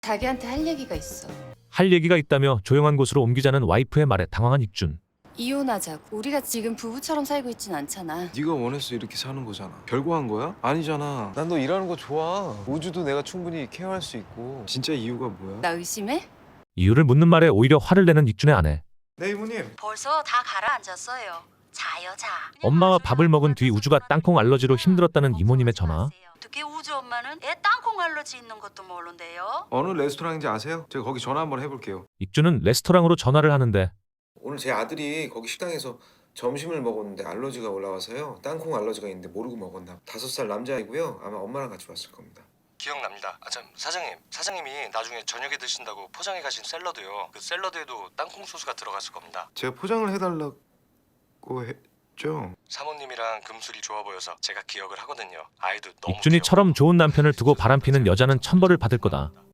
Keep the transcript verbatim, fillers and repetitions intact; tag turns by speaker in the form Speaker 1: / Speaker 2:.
Speaker 1: 자기한테 할 얘기가 있어.
Speaker 2: 할 얘기가 있다며 조용한 곳으로 옮기자는 와이프의 말에 당황한 익준.
Speaker 1: 이혼하자고. 우리가 지금 부부처럼 살고 있진 않잖아.
Speaker 3: 네가 원해서 이렇게 사는 거잖아. 별거 한 거야? 아니잖아. 난 너 일하는 거 좋아. 우주도 내가 충분히 케어할 수 있고. 진짜 이유가 뭐야?
Speaker 1: 나 의심해?
Speaker 2: 이유를 묻는 말에 오히려 화를 내는 익준의 아내.
Speaker 3: 네 이모님.
Speaker 4: 벌써 다 가라앉았어요. 자요 자.
Speaker 2: 엄마와 밥을 먹은 뒤 우주가 땅콩 알러지로 힘들었다는 이모님의 전화.
Speaker 4: 특히 우주 엄마는 애 땅콩 알러지 있는 것도 모르는데요.
Speaker 3: 어느 레스토랑인지 아세요? 제가 거기 전화 한번 해볼게요.
Speaker 2: 익준은 레스토랑으로 전화를 하는데
Speaker 3: 오늘 제 아들이 거기 식당에서 점심을 먹었는데 알러지가 올라와서요. 땅콩 알러지가 있는데 모르고 먹었나. 다섯 살 남자이고요. 아마 엄마랑 같이 왔을 겁니다.
Speaker 5: 기억납니다. 아 참 사장님, 사장님이 나중에 저녁에 드신다고 포장해 가신 샐러드요. 그 샐러드에도 땅콩 소스가 들어갔을 겁니다.
Speaker 3: 제가 포장을 해달라고 했죠.
Speaker 5: 사모님이랑 금술이 좋아 보여서 제가 기억을 하거든요. 아이도 너무
Speaker 2: 익준이처럼
Speaker 5: 귀여워요.
Speaker 2: 좋은 남편을 두고 바람피는 여자는 천벌을 받을 거다.